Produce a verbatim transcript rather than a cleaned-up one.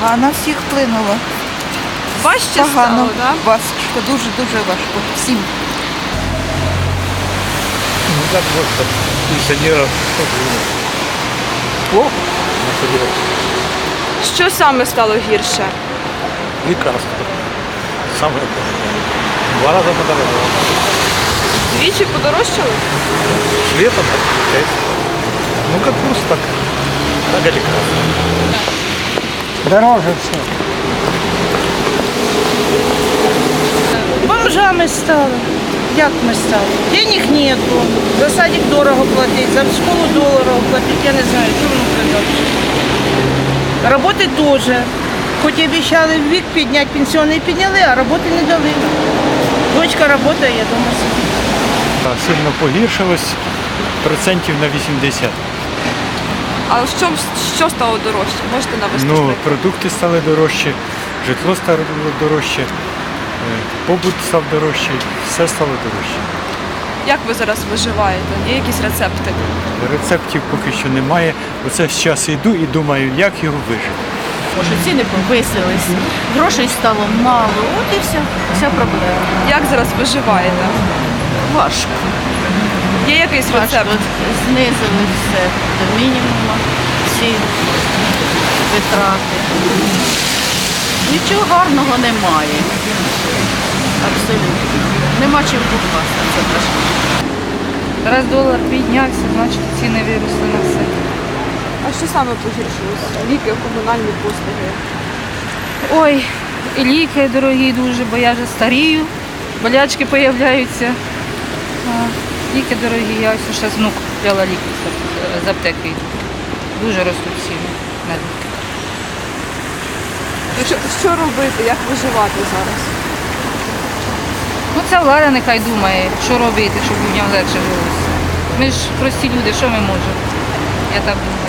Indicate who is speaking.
Speaker 1: А на всіх вплинуло.
Speaker 2: Важче
Speaker 1: Погано,
Speaker 2: стало, так?
Speaker 1: важко, дуже-дуже важко. Всім.
Speaker 3: Ну как можно пенсионеров плохо,
Speaker 2: Що саме стало гірше?
Speaker 3: лекарства. Самое главное. Два раза подорожало.
Speaker 2: Двічі подорожчали?
Speaker 3: Летом так пять. Ну как курс, так, так и лекарства.
Speaker 4: Дороже все.
Speaker 1: Бомжами стали. Як ми стали? Денег нету. За садик дорого платить, за школу дорого платить. Я не знаю, що воно придатне. Роботи теж. Хоч і обіцяли вік підняти, пенсіонний підняли, а роботи не дали. Дочка працює, я вдома сидить.
Speaker 4: Сильно погіршилось процентів на вісімдесят.
Speaker 2: А що, що стало дорожче? Можете навести
Speaker 4: Ну,
Speaker 2: приклад?
Speaker 4: продукти стали дорожчі, житло стало дорожче, е, побут став дорожчий, все стало дорожче.
Speaker 2: Як ви зараз виживаєте? Є якісь рецепти?
Speaker 4: Рецептів поки що немає. Оце зараз йду і думаю, як його вижити.
Speaker 5: Може, ціни повисились, грошей стало мало, от і вся, вся проблема.
Speaker 2: Як зараз виживаєте?
Speaker 5: Важко.
Speaker 2: Є якийсь рецепт?
Speaker 5: Важко. Знизили все до мінімуму, всі витрати. Нічого гарного немає. Абсолютно. Нема чим покласти, це важко.
Speaker 6: Раз долар піднявся, значить ціни виросли на все.
Speaker 2: А що саме погіршилось? Ліки, комунальні послуги?
Speaker 6: Ой, і ліки дорогі дуже, бо я вже старію, болячки з'являються. Ліки дорогі, я ось ще з внук купляла ліки з- з аптеки. Дуже ростуть ціни на ліки.
Speaker 2: Ну, Що, що робити? Як виживати зараз?
Speaker 6: Ну ця влада нехай думає, що робити, щоб людям легше жилося. Ми ж прості люди, що ми можемо? Я так думаю.